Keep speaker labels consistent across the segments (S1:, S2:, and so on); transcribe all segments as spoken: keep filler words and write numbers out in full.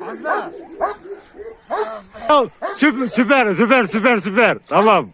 S1: Fazla.
S2: Süper süper süper süper süper. Tamam.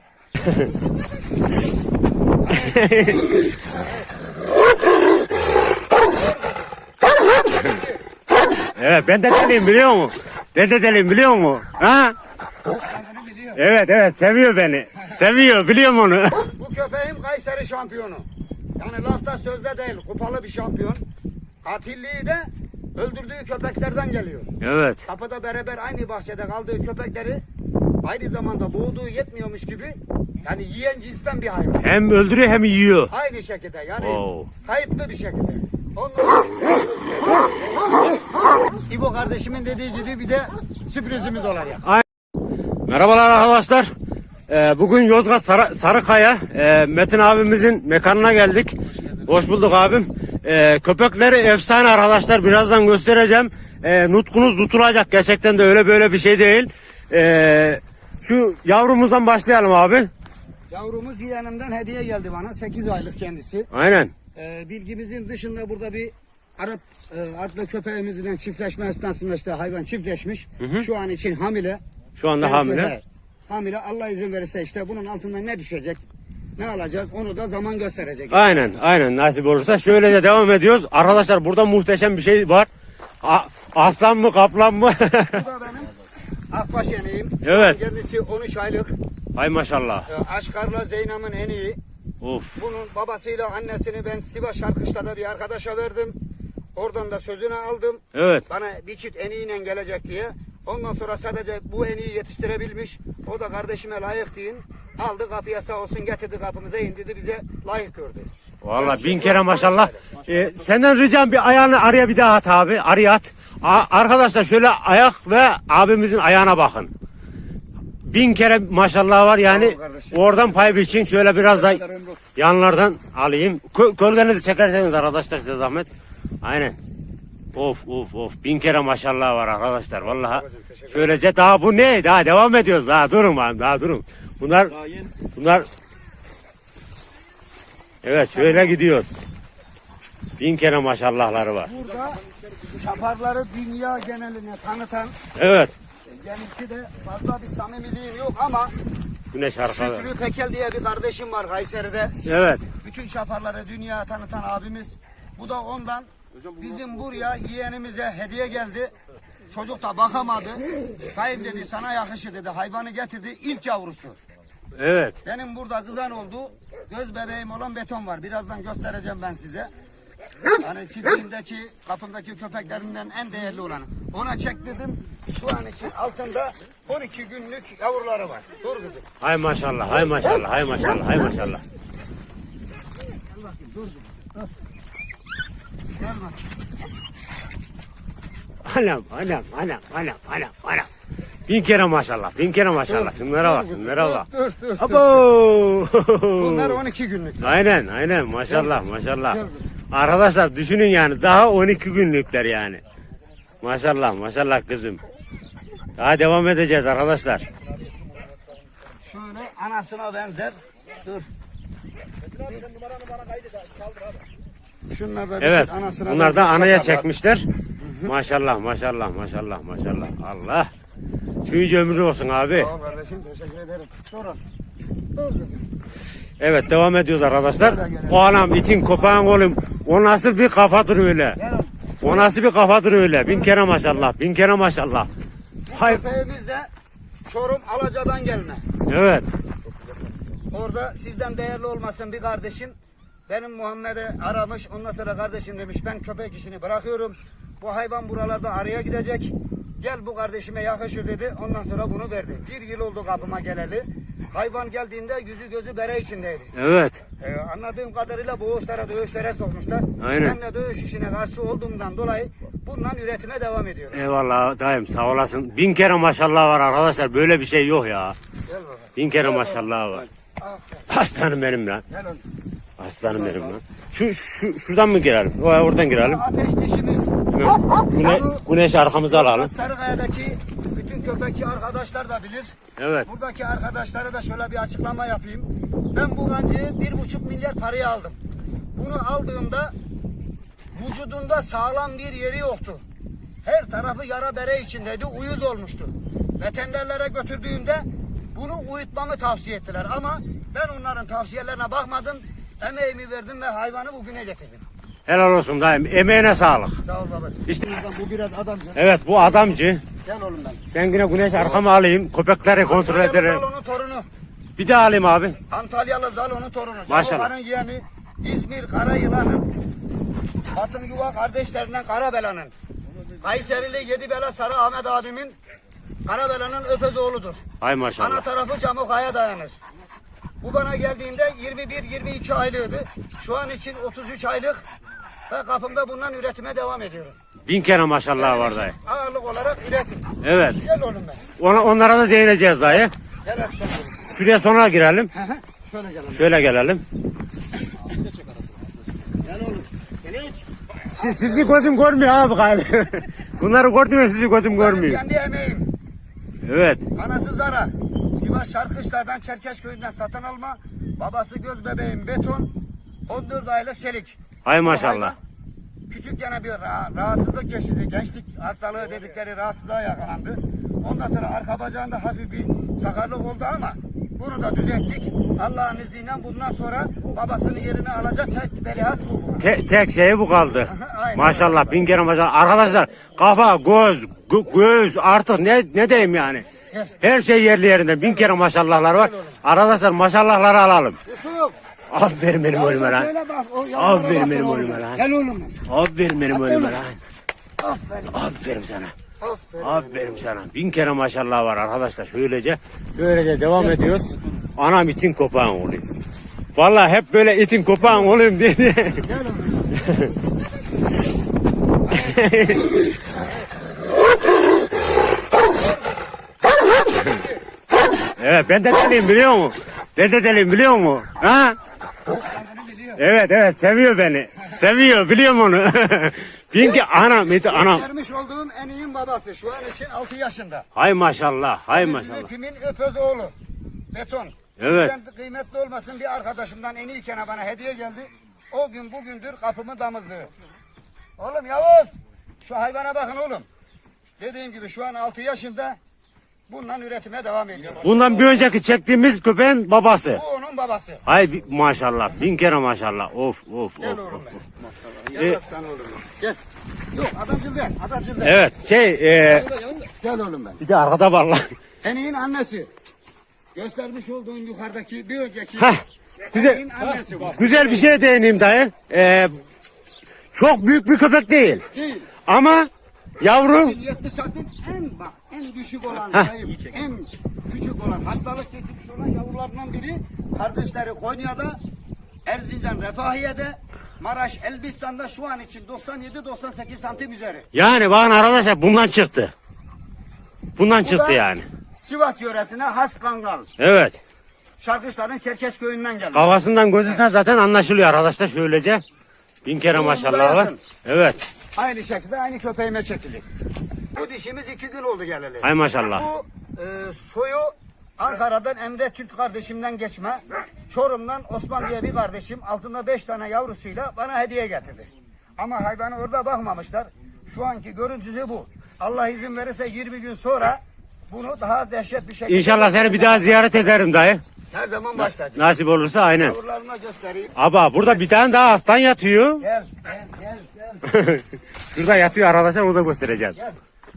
S2: Evet ben de deliyim biliyor musun? Ben de deliyim biliyor musun? Ha? Evet evet seviyor beni. Seviyor biliyorum onu.
S1: Bu köpeğim Kayseri şampiyonu. Yani lafta sözde değil, kupalı bir şampiyon. Katilliği de öldürdüğü köpeklerden geliyor.
S2: Evet.
S1: Kapıda beraber aynı bahçede kaldığı köpekleri aynı zamanda boğduğu yetmiyormuş gibi yani yiyen cinsten bir hayvan.
S2: Hem öldürüyor hem yiyor.
S1: Aynı şekilde yani
S2: Oo.
S1: kayıtlı bir şekilde. Ondan İbo kardeşimin dediği gibi bir de sürprizimiz olacak.
S2: Merhabalar arkadaşlar. Ee, bugün Yozgat Sarı, Sarıkaya e, Metin abimizin mekanına geldik. Hoş bulduk abim. Ee, köpekleri efsane arkadaşlar. Birazdan göstereceğim. Ee, nutkunuz tutulacak. Gerçekten de öyle böyle bir şey değil. Ee, şu yavrumuzdan başlayalım abi.
S1: Yavrumuz yeğenimden hediye geldi bana. sekiz aylık kendisi.
S2: Aynen.
S1: Ee, bilgimizin dışında burada bir Arap e, adlı köpeğimizle çiftleşme esnasında işte hayvan çiftleşmiş. Hı hı. Şu an için hamile.
S2: Şu anda
S1: Kendisi
S2: hamile.
S1: de hamile. Allah izin verirse işte bunun altından ne düşecek, ne alacak onu da zaman gösterecek.
S2: Aynen aynen nasip olursa şöyle de devam ediyoruz. Arkadaşlar burada muhteşem bir şey var. A aslan mı kaplan mı?
S1: Bu da benim akbaş yeneğim. Şu
S2: Evet.
S1: an kendisi on üç aylık.
S2: Hay maşallah.
S1: Ee, Aşkar'la Zeynep'in en iyi.
S2: Of.
S1: Bunun babasıyla annesini ben Sivas Şarkışla'da bir arkadaşa verdim. Oradan da sözünü aldım.
S2: Evet.
S1: Bana bir çift eniğiyle gelecek diye. Ondan sonra sadece bu eniği yetiştirebilmiş. O da kardeşime layık deyin. Aldı kapıya sağ olsun getirdi kapımıza indirdi bize layık gördü.
S2: Vallahi
S1: Yani
S2: bin
S1: şu
S2: kere
S1: an
S2: maşallah.
S1: on üç aylık.
S2: Ee, senden ricam bir ayağını araya bir daha at abi. Araya at. A arkadaşlar şöyle ayak ve abimizin ayağına bakın. Bin kere maşallah var yani.
S1: Tamam kardeşim.
S2: Oradan pay biçin. Şöyle biraz da yanlardan alayım. Kö Kölgenizi çekerseniz arkadaşlar size zahmet. Aynen. Of of of. Bin kere maşallah var arkadaşlar. Vallahi. Şöylece daha bu ne? Daha devam ediyoruz. Daha durun abi. Daha durun. Bunlar bunlar evet şöyle gidiyoruz. Bin kere maşallahları var.
S1: Burada şaparları dünya geneline tanıtan
S2: Evet.
S1: benimki de fazla bir samimiliğim yok ama
S2: Güneş arkalı.
S1: Şükrü Pekel diye bir kardeşim var Kayseri'de.
S2: Evet.
S1: Bütün şaparları dünyaya tanıtan abimiz. Bu da ondan bizim buraya yeğenimize hediye geldi. Çocuk da bakamadı. Kayıp dedi sana yakışır dedi. Hayvanı getirdi ilk yavrusu.
S2: Evet.
S1: Benim burada kızan oldu. Göz bebeğim olan beton var. Birazdan göstereceğim ben size. Hani çiftliğimdeki kapındaki köpeklerimden en değerli olanı. Ona çektirdim. Şu an için altında on iki günlük yavruları var. Dur kızım.
S2: Hay maşallah, hay maşallah, hay maşallah, hay maşallah.
S1: Gel bakayım dur kızım. Dur. Gel bak.
S2: Anam, anam, anam, anam, anam, anam. Bin kere maşallah, bin kere maşallah. Şunlara bak, şunlara bak.
S1: Dur dur dur.
S2: Abo!
S1: Bunlar on iki günlük.
S2: Aynen, aynen, maşallah, maşallah. Arkadaşlar düşünün yani daha on iki günlükler yani. Maşallah, maşallah kızım. Daha devam edeceğiz arkadaşlar.
S1: Şöyle anasına benzer. Dur. Şunlar da bir
S2: Evet,
S1: çift anasına
S2: bunlar da
S1: benzer
S2: anaya
S1: şaparlar.
S2: çekmişler. Maşallah, maşallah, maşallah, maşallah. Allah. Tüyücü ömrü olsun abi.
S1: Sağ ol kardeşim teşekkür ederim. Durun. Dur kızım.
S2: Evet devam ediyoruz arkadaşlar. O anam itin kopağın oğlum. O nasıl bir kafadır öyle.
S1: Gel.
S2: O nasıl bir kafadır öyle. Bin kere maşallah. Bin kere maşallah. Hay.
S1: Köpeğimiz de Çorum Alaca'dan gelme.
S2: Evet.
S1: Orada sizden değerli olmasın bir kardeşim. Benim Muhammed'e aramış. Ondan sonra kardeşim demiş ben köpek işini bırakıyorum. Bu hayvan buralarda araya gidecek. Gel bu kardeşime yakışır dedi. Ondan sonra bunu verdi. Bir yıl oldu kapıma geleli. Hayvan geldiğinde yüzü gözü bere içindeydi.
S2: Evet.
S1: Ee, anladığım kadarıyla boğuşlara, dövüşlere sokmuşlar.
S2: Aynen.
S1: Ben de dövüş işine karşı olduğumdan dolayı bundan üretime devam ediyorum.
S2: Eyvallah dayım sağ olasın. Bin kere maşallah var arkadaşlar. Böyle bir şey yok ya.
S1: Gel bakalım.
S2: Bin kere maşallah var.
S1: Aferin.
S2: Aslanım benim lan.
S1: Gel oğlum.
S2: Aslanım benim lan. Şu, şu şuradan mı girelim? O oradan girelim.
S1: Ateş dişimiz.
S2: Hemen güne, güneş arkamıza alalım.
S1: Sarıkaya'daki bütün köpekçi arkadaşlar da bilir.
S2: Evet.
S1: Buradaki arkadaşlara da şöyle bir açıklama yapayım. Ben bu gancıyı bir buçuk milyar paraya aldım. Bunu aldığımda vücudunda sağlam bir yeri yoktu. Her tarafı yara bere içindeydi. Uyuz olmuştu. Veterinerlere götürdüğümde bunu uyutmamı tavsiye ettiler. Ama ben onların tavsiyelerine bakmadım. Emeğimi verdim ve hayvanı bugüne getirdim.
S2: Helal olsun dayım. Emeğine sağlık.
S1: Sağ ol babacığım.
S2: İşte-
S1: Bu biraz adamcı.
S2: Evet bu adamcı.
S1: Gel oğlum ben.
S2: Ben yine güneş arkama alayım. Köpekleri kontrol
S1: Antalyalı
S2: ederim.
S1: Zalo'nun torunu.
S2: Bir de alayım abi.
S1: Antalyalı Zalo'nun torunu.
S2: Maşallah.
S1: Cavukların yeğeni İzmir Karayılan'ın. Batın Yuva kardeşlerinden Karabela'nın. Kayserili Yedibela Sarı Ahmet abimin Karabela'nın öpez oğludur.
S2: Hay
S1: Ana
S2: maşallah.
S1: tarafı Camukaya dayanır. Bu bana geldiğinde yirmi bir yirmi iki aylığıydı. Şu an için otuz üç aylık ve kapımda bundan üretime devam ediyorum.
S2: Bin kere maşallah var dayı.
S1: Ağırlık olarak üretim.
S2: Evet.
S1: Gel oğlum ben.
S2: Ona, onlara da değineceğiz dayı.
S1: Gel aslan oğlum.
S2: Şuraya sonra girelim.
S1: Hı hı. Şöyle gel oğlum.
S2: Şöyle gelelim.
S1: Gel oğlum. Gel hiç.
S2: Siz, sizi gözüm görmüyor abi galiba. Bunları gördüm ya sizi gözüm
S1: Benim
S2: görmüyor.
S1: kendi emeğim.
S2: Evet.
S1: Anası Zara. Sivas Şarkışlar'dan Çerkeşköy'ünden satın alma. Babası göz bebeğim beton. on dört aylık çelik.
S2: Hay
S1: Bu
S2: maşallah.
S1: hayvan Küçükken bir ra- rahatsızlık geçirdi. Gençlik hastalığı dedikleri rahatsızlığa yakalandı. Ondan sonra arka bacağında hafif bir sakarlık oldu ama bunu da düzelttik. Allah'ın izniyle bundan sonra babasının yerini alacak tek veliaht bu.
S2: Te- tek şeyi bu kaldı.
S1: Aynen.
S2: Maşallah bin kere maşallah. Arkadaşlar kafa, göz, gö- göz artık ne ne diyeyim yani. Her şey yerli yerinde. Bin kere maşallahlar var. Arkadaşlar maşallahları alalım.
S1: Yusuf.
S2: Aferin benim oğluma lan.
S1: Şöyle bak, o yavrulara
S2: Aferin
S1: basın
S2: benim
S1: oğlum.
S2: oğluma lan.
S1: Gel oğlum.
S2: Aferin benim oğluma
S1: oğlum.
S2: lan.
S1: Aferin.
S2: Aferin sana.
S1: Aferin.
S2: Aferin sana. Bin kere maşallah var arkadaşlar. Şöylece böylece devam ediyoruz. Anam itin kopağın olayım. Vallahi hep böyle itin kopağın olayım diye.
S1: Gel oğlum.
S2: Evet ben de deliyim biliyor musun? Ben de deliyim biliyor musun? Ha?
S1: Kendini biliyor.
S2: Evet evet seviyor beni. Seviyor biliyorum onu. Bin ki anam iti anam.
S1: Vermiş olduğum en iyinin babası. Şu an için altı yaşında.
S2: Hay maşallah hay maşallah.
S1: Üretimin öpöz oğlu. Beton.
S2: Evet.
S1: Sizden kıymetli olmasın bir arkadaşımdan en iyikene bana hediye geldi. O gün bugündür kapımın damızlığı. Oğlum Yavuz. Şu hayvana bakın oğlum. Dediğim gibi şu an altı yaşında. Bundan üretime devam ediyor.
S2: Bundan bir önceki çektiğimiz köpeğin babası.
S1: Bu onun babası.
S2: Hay bi- maşallah bin kere maşallah. Of of
S1: Gel
S2: of.
S1: oğlum
S2: of.
S1: ben. Gel aslan oğlum. Gel. Yok adamcıl değil. Adamcıl değil.
S2: Evet şey e,
S1: Gel oğlum ben.
S2: bir de arkada var lan.
S1: Eniğin annesi. Göstermiş olduğun yukarıdaki bir önceki
S2: Heh, güzel,
S1: eniğin annesi bu.
S2: güzel bir şeye değineyim dayı. E, çok büyük bir köpek değil.
S1: Değil.
S2: Ama yavru
S1: yetmiş santim en bak en düşük olan zayıf, en küçük olan hastalık getirmiş olan yavrularından biri kardeşleri Konya'da, Erzincan Refahiye'de, Maraş Elbistan'da şu an için doksan yedi doksan sekiz santim üzeri.
S2: yani bakın arkadaşlar bundan çıktı. Bundan
S1: Bu
S2: çıktı
S1: da
S2: yani.
S1: Sivas yöresine has kangal.
S2: Evet.
S1: Şarkışların Çerkezköy'ünden geldi.
S2: Kafasından gözünden zaten anlaşılıyor arkadaşlar şöylece. Bin kere
S1: Oğlum,
S2: maşallah var.
S1: dayasın.
S2: Evet.
S1: Aynı şekilde aynı köpeğime çekildi. Bu dişimiz iki gün oldu geleli.
S2: Hay maşallah.
S1: Bu e, soyu Ankara'dan Emre Türk kardeşimden geçme. Çorum'dan Osman diye bir kardeşim altında beş tane yavrusuyla bana hediye getirdi. Ama hayvanı orada bakmamışlar. Şu anki görüntüsü bu. Allah izin verirse yirmi gün sonra bunu daha dehşet bir şekilde...
S2: İnşallah seni bir daha ziyaret ederim dayı.
S1: Her zaman başlayacak.
S2: Nasip olursa aynen.
S1: Yavrularına göstereyim.
S2: Aba burada bir tane daha aslan yatıyor.
S1: Gel, gel, gel, gel.
S2: Şurada yatıyor arkadaşlar onu da göstereceğim.
S1: Gel.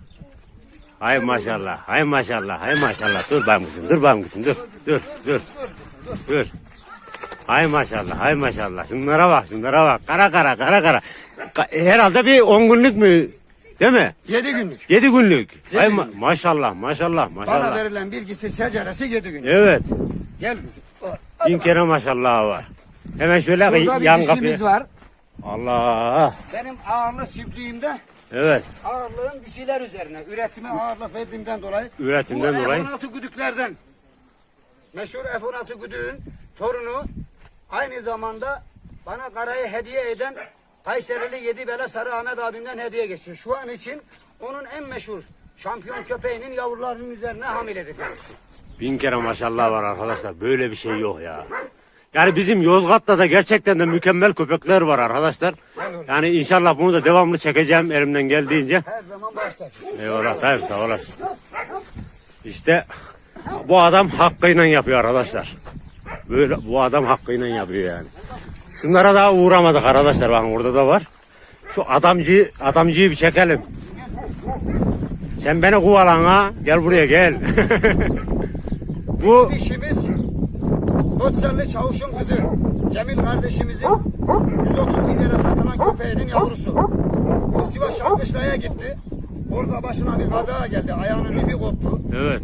S2: Hay maşallah, hay maşallah, hay maşallah. Dur benim kızım, dur benim kızım, dur, dur, dur, dur. Hay maşallah, hay maşallah. Şunlara bak, şunlara bak. Kara kara, kara kara. Ka- Herhalde bir on günlük mü? Değil mi?
S1: Yedi günlük.
S2: Yedi günlük.
S1: Yedi
S2: Hay ma-
S1: günlük.
S2: maşallah, maşallah,
S1: Bana
S2: maşallah.
S1: verilen bilgisi seceresi yedi günlük.
S2: Evet.
S1: Gel kızım.
S2: Bin kere maşallah var. Hemen şöyle
S1: Burada bir
S2: yan
S1: dişimiz
S2: kapıya.
S1: var.
S2: Allah.
S1: Benim ağırlık çiftliğimde
S2: Evet.
S1: ağırlığın dişiler üzerine. Üretime ağırlık verdiğimden dolayı.
S2: Üretimden
S1: bu
S2: dolayı.
S1: F on altı güdüklerden. Meşhur F on altı güdüğün torunu aynı zamanda bana karayı hediye eden Kayserili Yedibela Sarı Ahmet abimden hediye geçti. Şu an için onun en meşhur şampiyon köpeğinin yavrularının üzerine hamiledir kendisi.
S2: Bin kere maşallah var arkadaşlar. Böyle bir şey yok ya. Yani bizim Yozgat'ta da gerçekten de mükemmel köpekler var arkadaşlar.
S1: olur.
S2: Yani inşallah bunu da devamlı çekeceğim elimden geldiğince.
S1: Her zaman başta.
S2: Eyvallah tabii sağ olasın. İşte bu adam hakkıyla yapıyor arkadaşlar. Böyle bu adam hakkıyla yapıyor yani. Şunlara daha uğramadık arkadaşlar, bakın burada da var. Şu adamcıyı, adamcıyı bir çekelim. Sen beni kovalan ha. Gel buraya gel. Bu
S1: Dişimiz Koçserli Çavuş'un kızı. Cemil kardeşimizin yüz otuz bin lira satılan köpeğinin yavrusu. Bu Sivas Şarkışla'ya gitti. Orada başına bir kaza geldi. Ayağının lifi koptu.
S2: evet.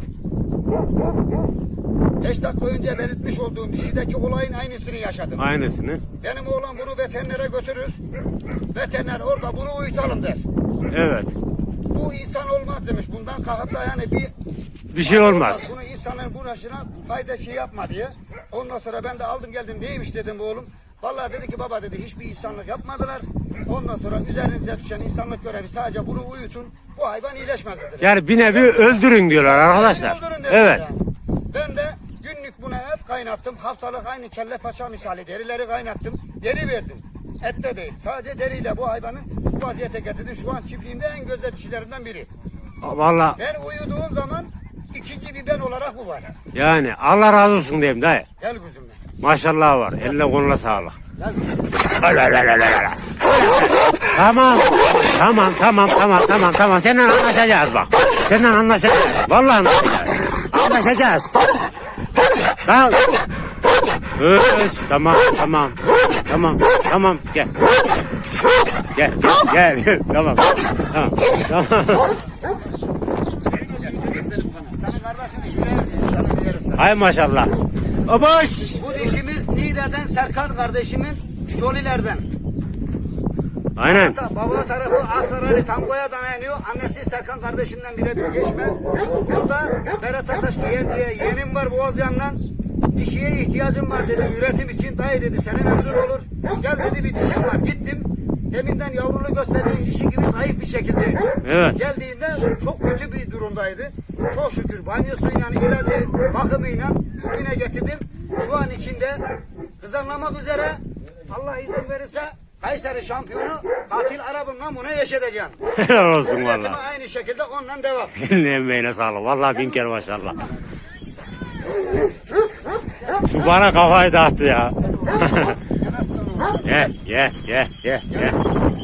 S1: beş dakika önce belirtmiş olduğum dişideki olayın aynısını yaşadım.
S2: Aynısını.
S1: Benim oğlan bunu veterinere götürür. Veteriner orada bunu uyutalım der.
S2: Evet.
S1: Bu insan olmaz demiş. Bundan kalkıp da yani bir
S2: Bir şey olmaz.
S1: Bunu insanların bulaşına fayda şey yapma diye. Ondan sonra ben de aldım geldim. Neymiş dedim bu oğlum. Vallahi dedi ki baba dedi hiçbir insanlık yapmadılar. Ondan sonra üzerinize düşen insanlık görevi sadece bunu uyutun. Bu hayvan iyileşmez dediler.
S2: Yani bir nevi öldürün diyorlar arkadaşlar.
S1: Öldürün dediler
S2: Evet.
S1: yani. Ben de günlük buna et kaynattım. Haftalık aynı kelle paça misali derileri kaynattım. Deri verdim. Et de değil. Sadece deriyle bu hayvanı bu vaziyete getirdim. Şu an çiftliğimde en gözde dişilerinden biri.
S2: Vallahi
S1: Ben uyuduğum zaman ikinci bir ben olarak bu var.
S2: yani Allah razı olsun diyeyim dayı.
S1: Gel kuzum ben.
S2: Maşallah var. Eline koluna sağlık.
S1: Gel kuzum.
S2: Tamam. Tamam tamam tamam tamam tamam. Seninle anlaşacağız bak. Seninle anlaşacağız. Vallahi anlaşacağız. Anlaşacağız. Tamam. Evet, tamam tamam. Tamam tamam gel. Gel gel gel. Tamam. Tamam. Tamam.
S1: Senin kardeşinin yüreği sana diyelim sana.
S2: Hay maşallah. Abaş.
S1: Bu dişimiz Niğde'den Serkan kardeşimin Jolilerden.
S2: Aynen.
S1: Hatta baba tarafı Asarali Tango'ya dayanıyor. Annesi Serkan kardeşimden birebir geçme. Burada Berat Ataş diye, diye yeğenim var Boğazyan'dan. Dişiye ihtiyacım var dedi üretim için. Dayı dedi senin emrin olur. Gel dedi bir dişim var. Gittim. Deminden yavrulu gösterdiğim dişi gibi zayıf bir şekildeydi.
S2: Evet.
S1: Geldiğinde çok kötü bir durumdaydı. Çok şükür banyosuyla, ilacı, bakımıyla bugüne getirdim. Şu an içinde kızarlamak üzere Allah izin verirse Kayseri şampiyonu Katil Arap'ımla bunu yaşatacağım.
S2: Helal olsun
S1: Üretime
S2: valla.
S1: aynı şekilde ondan devam.
S2: Eline emeğine sağlık. Vallahi bin kere maşallah. Şu bana kafayı dağıttı ya. Gel gel gel gel gel.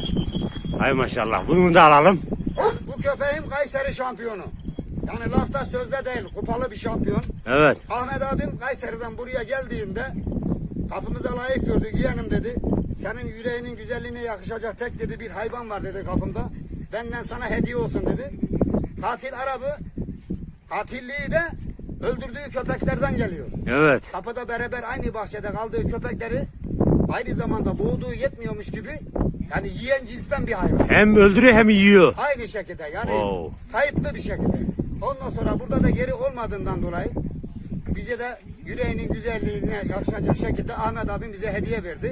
S2: Hay maşallah. Bunu da alalım.
S1: Bu köpeğim Kayseri şampiyonu. Yani lafta sözde değil, kupalı bir şampiyon.
S2: Evet.
S1: Ahmet abim Kayseri'den buraya geldiğinde kapımıza layık gördü. Yeğenim dedi. Senin yüreğinin güzelliğine yakışacak tek dedi bir hayvan var dedi kapımda. Benden sana hediye olsun dedi. Katil Arap'ı katilliği de öldürdüğü köpeklerden geliyor.
S2: Evet.
S1: Kapıda beraber aynı bahçede kaldığı köpekleri aynı zamanda boğduğu yetmiyormuş gibi yani yiyen cinsten bir hayvan.
S2: Hem öldürüyor hem yiyor.
S1: Aynı şekilde yani
S2: Wow.
S1: kayıtlı bir şekilde. Ondan sonra burada da geri olmadığından dolayı bize de yüreğinin güzelliğine yakışacak şekilde Ahmet abim bize hediye verdi.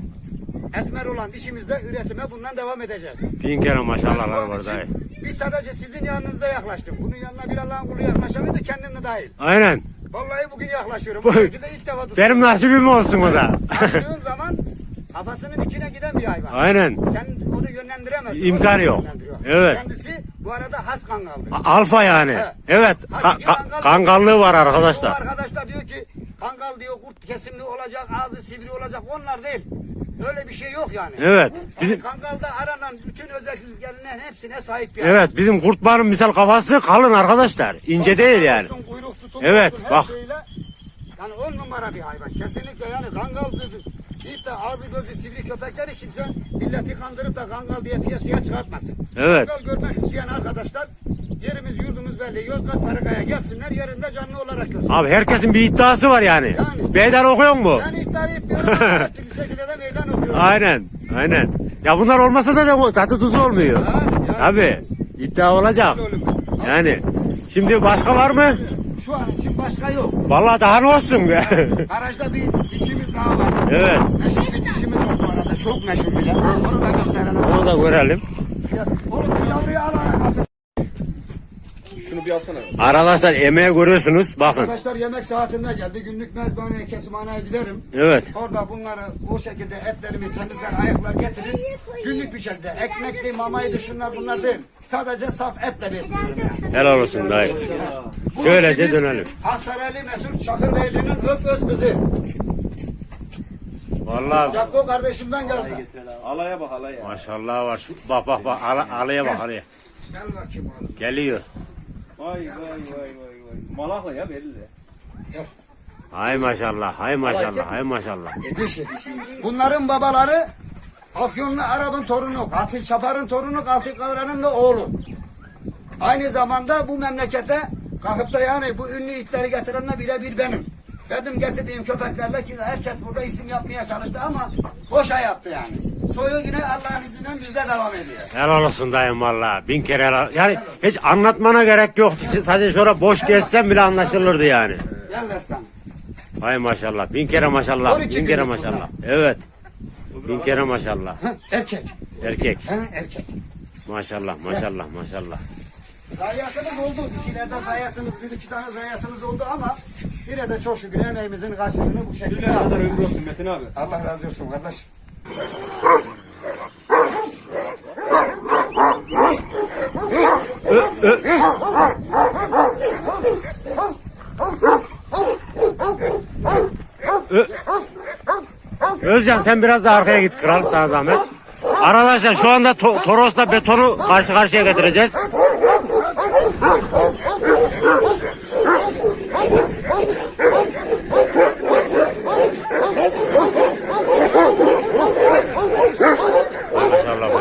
S1: Esmer olan dişimizde üretime bundan devam edeceğiz.
S2: Bin kere
S1: Ben şu
S2: maşallahlar
S1: an
S2: var
S1: için
S2: dayı.
S1: Biz sadece sizin yanınıza yaklaştım. Bunun yanına bir Allah'ın kulu yaklaşamıyordu kendim de dahil.
S2: Aynen.
S1: Vallahi bugün yaklaşıyorum. Bu şekilde ilk defa tutuyorum.
S2: Benim nasibim olsun o da.
S1: Açtığım zaman kafasının dikine giden bir hayvan.
S2: Aynen.
S1: Sen onu yönlendiremezsin.
S2: İmkanı
S1: O seni
S2: yok.
S1: yönlendiriyor.
S2: Evet.
S1: Kendisi bu arada has kangaldı.
S2: Alfa yani.
S1: He.
S2: Evet.
S1: Hakiki
S2: Ka- ka- kangallığı var
S1: Bu
S2: arkadaşlar.
S1: arkadaşlar diyor ki kangal diyor kurt kesimli olacak, ağzı sivri olacak. Onlar değil. Öyle bir şey yok yani.
S2: Evet.
S1: Yani
S2: Bizim
S1: kangalda aranan bütün özelliklerinin hepsine sahip bir hayvan.
S2: Evet, bizim kurtların misal kafası kalın arkadaşlar. İnce değil yani.
S1: Olsun, kuyruk tutumu
S2: Evet,
S1: olsun, her
S2: bak.
S1: şeyle, yani on numara bir hayvan. Kesinlikle yani kangal gözü deyip de ağzı gözü sivri köpekleri kimse milleti kandırıp da kangal diye piyasaya çıkartmasın.
S2: Evet.
S1: Kangal görmek isteyen arkadaşlar yerimiz yurdumuz belli. Yozgat Sarıkaya gelsinler yerinde canlı olarak görsün.
S2: Abi herkesin bir iddiası var yani.
S1: Yani.
S2: Meydan okuyor mu?
S1: Ben iddia etmiyorum ama her türlü şekilde de meydan okuyorum.
S2: Aynen. Aynen. Ya bunlar olmasa da da tadı tuzu olmuyor.
S1: Yani, yani.
S2: Tabii. İddia olacak. Yani. Şimdi başka var mı?
S1: Şu an için başka yok.
S2: Vallahi daha ne olsun be.
S1: Garajda bir dişimiz daha var.
S2: Evet.
S1: Meşhur bir dişimiz var bu arada. Çok meşhur bir de. Onu da gösterelim.
S2: Onu da görelim.
S1: Onu da yavruya al.
S2: Şunu
S3: bir alsana.
S2: Arkadaşlar emeği görüyorsunuz. Bakın.
S1: Arkadaşlar yemek saatinde geldi. Günlük mezbaneye, kesimhaneye giderim.
S2: Evet.
S1: Orada bunları bu şekilde etlerimi temizler, ayaklar getirir. Günlük bir şekilde ekmekli, mamaydı, şunlar bunlar değil. Sadece saf etle besliyorum yani.
S2: Helal olsun dayı.
S1: Bu
S2: Şöylece
S1: işimiz
S2: dönelim.
S1: Aksaraylı Mesut Çakırbeyli'nin öp öz kızı.
S2: Vallahi
S1: Yapko kardeşimden geldi.
S3: Alaya bak alaya.
S2: maşallah var. Şu, bak bak bak. Ala, alaya bak alaya.
S1: Gel bakayım oğlum.
S2: Geliyor.
S3: Vay vay vay vay vay. Malakla ya belli.
S2: Hay maşallah. Hay maşallah. Hay maşallah.
S1: Bunların babaları Afyonlu Arap'ın torunu, Katil Çapar'ın torunu, Katil Kavran'ın da oğlu. Aynı zamanda bu memlekete kalkıp da yani bu ünlü itleri getirenle birebir benim. Benim getirdiğim köpeklerle ki herkes burada isim yapmaya çalıştı ama boşa yaptı yani. Soyu yine Allah'ın izniyle bizde devam ediyor.
S2: Helal olsun dayım valla. Bin kere helal. Yani hiç anlatmana gerek yoktu. Sadece şöyle boş gezsen bile anlaşılırdı yani.
S1: Gel destan.
S2: Hay maşallah. Bin kere maşallah.
S1: on iki
S2: Bin kere
S1: günlük
S2: maşallah. Evet. Bin kere maşallah.
S1: Hı, erkek.
S2: Erkek.
S1: Hı, erkek.
S2: Maşallah maşallah maşallah.
S1: Zayiatımız oldu. Dişilerde zayiatımız, bir iki tane zayiatımız oldu ama yine de çok şükür emeğimizin karşılığını bu şekilde
S3: Ne kadar
S1: aldık.
S3: ömrü olsun Metin abi.
S1: Allah razı olsun kardeş.
S2: Özcan sen biraz da arkaya git kral sana zahmet. Arkadaşlar şu anda to Toros'la betonu karşı karşıya getireceğiz. Maşallah.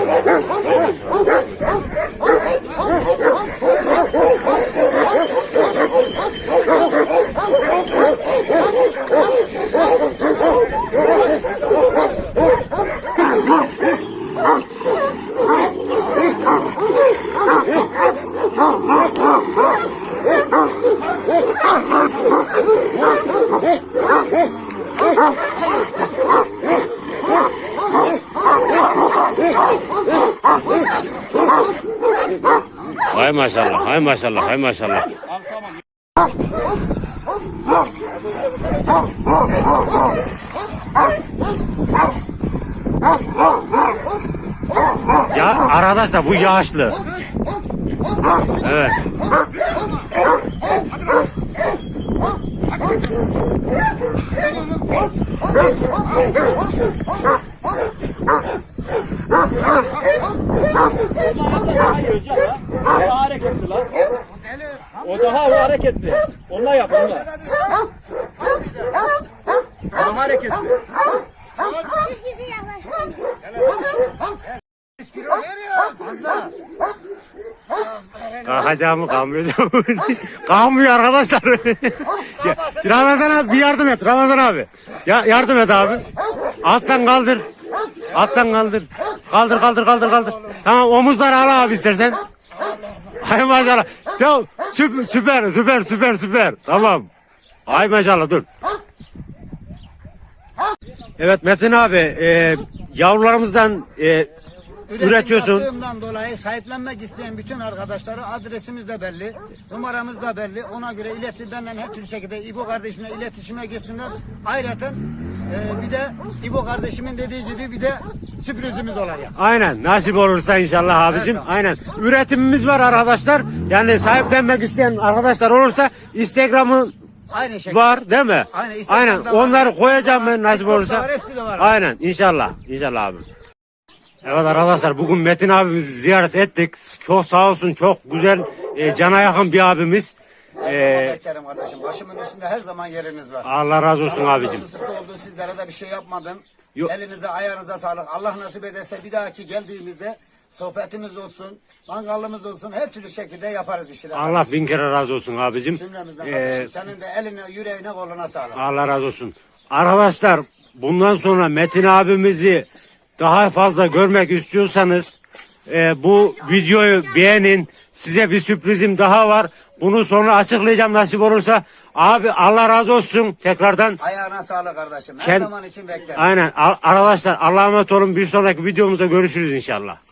S2: Hay maşallah, hay maşallah, hay maşallah. Ya arkadaşlar bu yağışlı. Evet.
S3: O daha hareketli lan. O daha o hareketli. Onunla yap onunla. O daha hareketli.
S4: Siz bizi yaklaştırın.
S1: Kilo veriyor fazla.
S2: Kalkacağımı kalmayacağım. Kalmıyor arkadaşlar. Ya, Ramazan abi bir yardım et Ramazan abi. Ya, yardım et abi. Alttan kaldır. Alttan kaldır. Kaldır kaldır kaldır kaldır. Tamam omuzları al abi istersen. Hay maşallah. Tamam süper süper süper süper süper. Tamam. Hay maşallah dur. Evet Metin abi e, yavrularımızdan e, üretiyorsun.
S1: Yaptığımdan dolayı sahiplenmek isteyen bütün arkadaşlara adresimiz de belli, numaramız da belli. Ona göre iletir benden her türlü şekilde İbo kardeşimle iletişime geçsinler. Ayrıca e, bir de İbo kardeşimin dediği gibi bir de sürprizimiz olacak.
S2: Aynen nasip olursa inşallah abicim.
S1: Evet,
S2: Aynen. Üretimimiz var arkadaşlar. Yani sahiplenmek isteyen arkadaşlar olursa Instagram'ı
S1: Aynı şekilde.
S2: var değil mi?
S1: Aynen, Instagram'da
S2: Aynen.
S1: var,
S2: onları
S1: Facebook'ta
S2: koyacağım
S1: var,
S2: ben nasip
S1: TikTok'ta
S2: olursa.
S1: var, hepsi de var.
S2: Aynen inşallah. İnşallah abi. Evet arkadaşlar bugün Metin abimizi ziyaret ettik. Çok sağ olsun çok güzel e, cana yakın bir abimiz. E,
S1: Beklerim kardeşim. Başımın üstünde her zaman yeriniz var.
S2: Allah razı olsun abicim.
S1: Sıkı oldu, sizlere de bir şey yapmadım.
S2: Yok.
S1: Elinize ayağınıza sağlık. Allah nasip ederse bir dahaki geldiğimizde sohbetimiz olsun, mangalımız olsun, her türlü şekilde yaparız bir şeyler.
S2: Allah bin kere razı olsun abicim.
S1: Cümlemizden
S2: E,
S1: kardeşim. Senin de eline, yüreğine, koluna sağlık.
S2: Allah razı olsun. Arkadaşlar bundan sonra Metin abimizi daha fazla görmek istiyorsanız e, bu videoyu beğenin. Size bir sürprizim daha var. Bunu sonra açıklayacağım nasip olursa. Abi Allah razı olsun tekrardan.
S1: Ayağına sağlık kardeşim. Her
S2: Kend-
S1: zaman için beklerim.
S2: Aynen. Ar- Arkadaşlar Allah'a emanet olun. Bir sonraki videomuzda görüşürüz inşallah.